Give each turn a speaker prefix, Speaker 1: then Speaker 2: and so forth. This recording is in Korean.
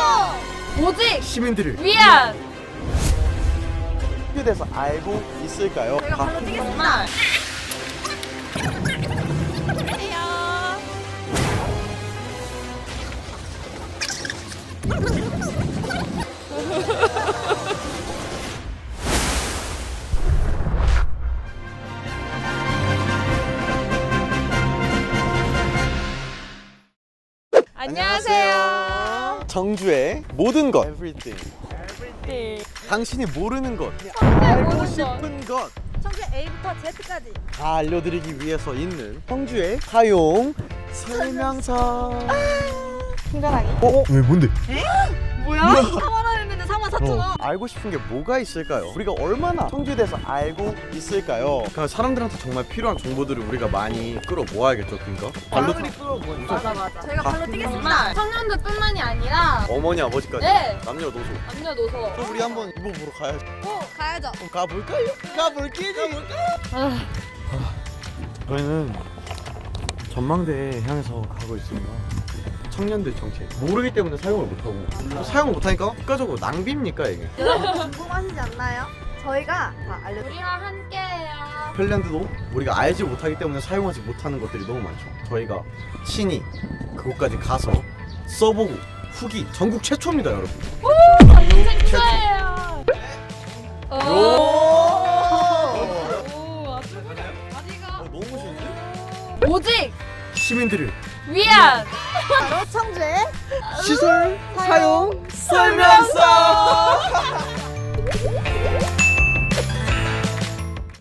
Speaker 1: 오직
Speaker 2: 시민들을
Speaker 1: 위한
Speaker 2: 청주에 대해서 알고 있을까요?
Speaker 1: 제가 발로 뛰겠습니다. 안녕하세요.
Speaker 2: 청주의 모든 것 Everything. 당신이 모르는 것, 알고 싶은 것
Speaker 1: 청주 A부터 Z까지
Speaker 2: 다 알려드리기 위해서 있는 청주의 사용 설명서.
Speaker 1: 친절하게.
Speaker 2: 왜 뭔데?
Speaker 1: 뭐야? 4만원 했는데 44,000원.
Speaker 2: 알고 싶은 게 뭐가 있을까요? 우리가 얼마나 청주에 대해서 알고 있을까요? 그러니까 사람들한테 정말 필요한 정보들을 우리가 많이 끌어 모아야겠죠, 그러니까? 발로
Speaker 1: 맞아. 저희가 발로 뛰겠습니다. 청년들뿐만이 아니라
Speaker 2: 어머니 아버지까지
Speaker 1: 네.
Speaker 2: 남녀노소.
Speaker 1: 남녀노소.
Speaker 2: 그럼 우리 한번 이거 보러 가야죠.
Speaker 1: 가야죠.
Speaker 2: 그럼 가볼까요? 가볼게지. 저희는 전망대에 향해서 가고 있습니다. 청년들 정책 모르기 때문에 사용을 못하고 사용을 못하니까 국가적으로 낭비입니까 이게?
Speaker 1: 여러분 궁금하시지 않나요? 저희가 다 알려드릴게요. 우리와 함께해요.
Speaker 2: 핀란드도 우리가 알지 못하기 때문에 사용하지 못하는 것들이 너무 많죠. 저희가 친히 그곳까지 가서 써보고 후기 전국 최초입니다, 여러분.
Speaker 1: 동생 축하해요. 오, 아직가
Speaker 2: 너무 멋있는데?
Speaker 1: 오직
Speaker 2: 시민들을
Speaker 1: 위한
Speaker 3: 바로 청주의
Speaker 2: 시설 사용 설명서.